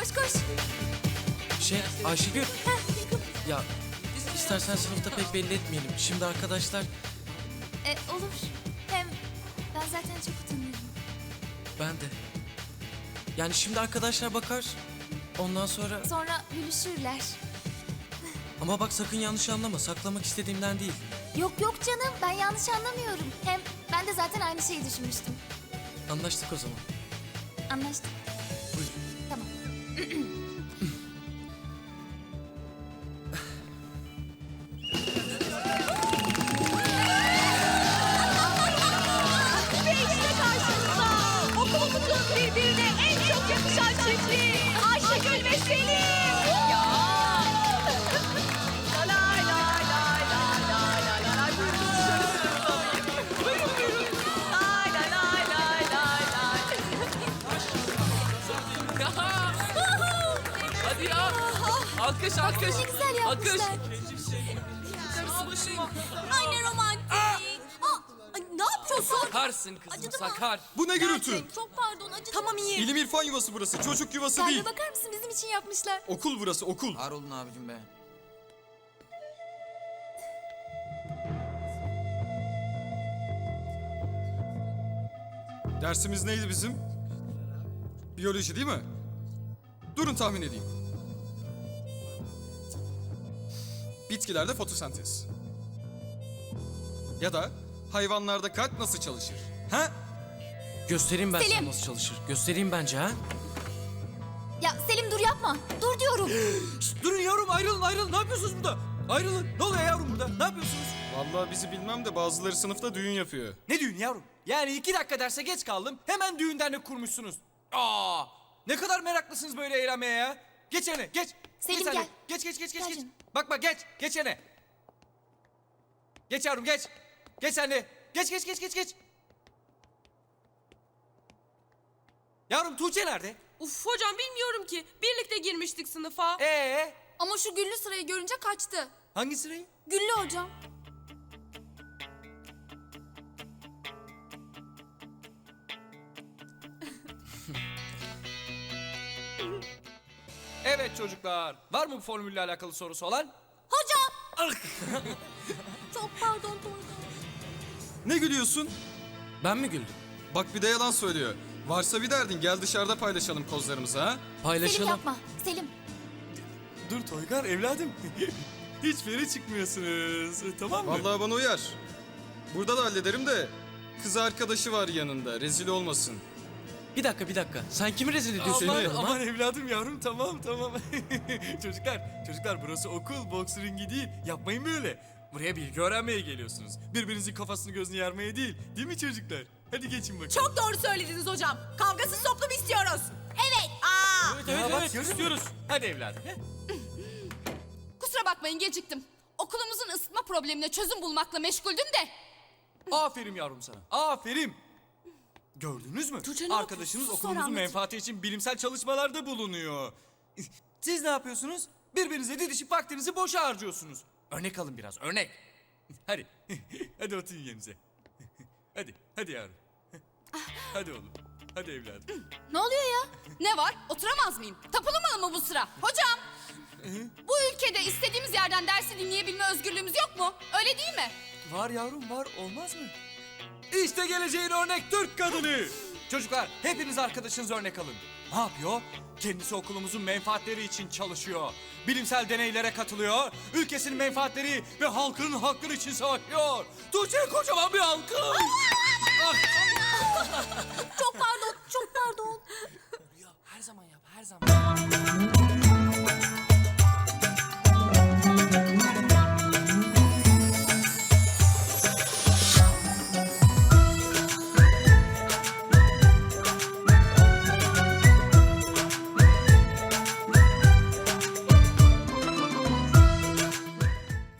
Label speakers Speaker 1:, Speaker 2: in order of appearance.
Speaker 1: koş koş.
Speaker 2: Ayşegül,
Speaker 1: Heh, yakın.
Speaker 2: ya istersen sınıfta pek belli etmeyelim. Şimdi arkadaşlar,
Speaker 1: Olur. Hem ben zaten çok utanıyorum.
Speaker 2: ben de. Yani şimdi arkadaşlar bakar, ondan sonra...
Speaker 1: Sonra gülüşürler.
Speaker 2: Ama bak sakın yanlış anlama, saklamak istediğimden değil.
Speaker 1: Yok yok canım, ben yanlış anlamıyorum. Hem ben de zaten aynı şeyi düşünmüştüm.
Speaker 2: Anlaştık o zaman.
Speaker 1: Anlaştık.
Speaker 2: Buyurun.
Speaker 1: Tamam.
Speaker 3: Ve işte karşınızda okulumuzun birbirine en çok yakışan çiftliği Ayşegül ve Selim. Ya. Lay lay lay lay lay lay lay lay. Buyurun dışarı sınıfta alayım. Buyurun buyurun. Lay lay lay lay lay lay.
Speaker 4: Hadi ya. Alkış alkış.
Speaker 1: Ne güzel yapmışlar.
Speaker 3: Ay ne romantik. Ay, ne yapıyorsun?
Speaker 4: Sakarsın kızım
Speaker 3: Acıdı mı?
Speaker 4: sakar.
Speaker 5: Bu ne gürültü?
Speaker 3: Çok pardon acıdı. Tamam iyi.
Speaker 5: İlim irfan yuvası burası. Çocuk yuvası değil.
Speaker 1: Kalbe bakar mısın, bizim için yapmışlar.
Speaker 5: Okul burası, okul.
Speaker 6: Var olun abicim be.
Speaker 5: Dersimiz neydi bizim? Biyoloji değil mi? Durun tahmin edeyim. Bitkilerde fotosentez. Ya da hayvanlarda kalp nasıl çalışır? Ha?
Speaker 2: Göstereyim ben sana
Speaker 1: Selim.
Speaker 2: nasıl çalışır. Göstereyim bence ha.
Speaker 1: Ya Selim dur yapma. Dur diyorum.
Speaker 7: Durun yavrum ayrılın. Ne yapıyorsunuz burada? Ayrılın. Ne oluyor yavrum burada? Ne yapıyorsunuz?
Speaker 5: Vallahi bizi bilmem de bazıları sınıfta düğün yapıyor.
Speaker 7: Ne düğün yavrum? Yani 2 dakika derse geç kaldım. Hemen düğün dernek kurmuşsunuz. Aa! Ne kadar meraklısınız böyle eğlenmeye ya. Geç yerine geç.
Speaker 1: Selim,
Speaker 7: geç
Speaker 1: gel.
Speaker 7: Geç.
Speaker 1: Gel
Speaker 7: Geç.
Speaker 1: canım.
Speaker 7: Bak geç. Geç yerine. Geç yavrum geç. Geç sen de. Geç. Yavrum Tuğçe nerede?
Speaker 8: Uf hocam bilmiyorum ki. Birlikte girmiştik sınıfa.
Speaker 1: Ama şu güllü sırayı görünce kaçtı.
Speaker 7: Hangi sırayı?
Speaker 1: Güllü hocam.
Speaker 7: Evet çocuklar. Var mı bu formülle alakalı sorusu olan?
Speaker 1: Hocam. Çok pardon Tolga.
Speaker 5: Ne gülüyorsun?
Speaker 2: Ben mi güldüm?
Speaker 5: Bak bir de yalan söylüyor. Varsa bir derdin gel dışarıda paylaşalım kozlarımızı ha.
Speaker 1: Selim
Speaker 2: Paylaşalım.
Speaker 1: yapma. Selim.
Speaker 7: Dur Toygar evladım. Hiç feri çıkmıyorsunuz. Tamam mı?
Speaker 5: Vallahi bana uyar. Burada da hallederim de kız arkadaşı var yanında rezil olmasın.
Speaker 2: Bir dakika. Sen kimi rezil ediyorsun?
Speaker 7: Aman,
Speaker 2: oğlum, ha?
Speaker 7: aman evladım yavrum tamam. çocuklar burası okul boks ringi değil. Yapmayın böyle. Buraya bilgi öğrenmeye geliyorsunuz. Birbirinizin kafasını gözünü yarmaya değil. Değil mi çocuklar? Hadi geçin bakalım.
Speaker 3: Çok doğru söylediniz hocam. Kavgasız toplum istiyoruz. Evet.
Speaker 7: Evet, istiyoruz. Hadi evladım. he?
Speaker 8: Kusura bakmayın geciktim. Okulumuzun ısıtma problemine çözüm bulmakla meşguldüm de.
Speaker 7: Aferin yavrum sana. Aferin. Gördünüz mü?
Speaker 3: Tuğçe, ne
Speaker 7: Arkadaşınız
Speaker 3: yapıyorsun? Sus,
Speaker 7: okulumuzun
Speaker 3: sonra
Speaker 7: menfaati için bilimsel çalışmalarda bulunuyor. Siz ne yapıyorsunuz? Birbirinize didişip vaktinizi boşa harcıyorsunuz. Örnek alın biraz, örnek. Hadi. Hadi oturun yerinize. Hadi yavrum. Hadi oğlum. Hadi evladım.
Speaker 8: Ne oluyor ya? Ne var? Oturamaz mıyım? Tapılamalı mı bu sıra? Hocam! Bu ülkede istediğimiz yerden dersi dinleyebilme özgürlüğümüz yok mu? Öyle değil mi?
Speaker 7: Var yavrum var, olmaz mı? İşte geleceğin örnek Türk kadını. Çocuklar hepiniz arkadaşınız örnek alın. Ne yapıyor? Kendisi okulumuzun menfaatleri için çalışıyor. Bilimsel deneylere katılıyor. Ülkesinin menfaatleri ve halkının hakları için savaşıyor. Tuğçe'ye kocaman bir alkış.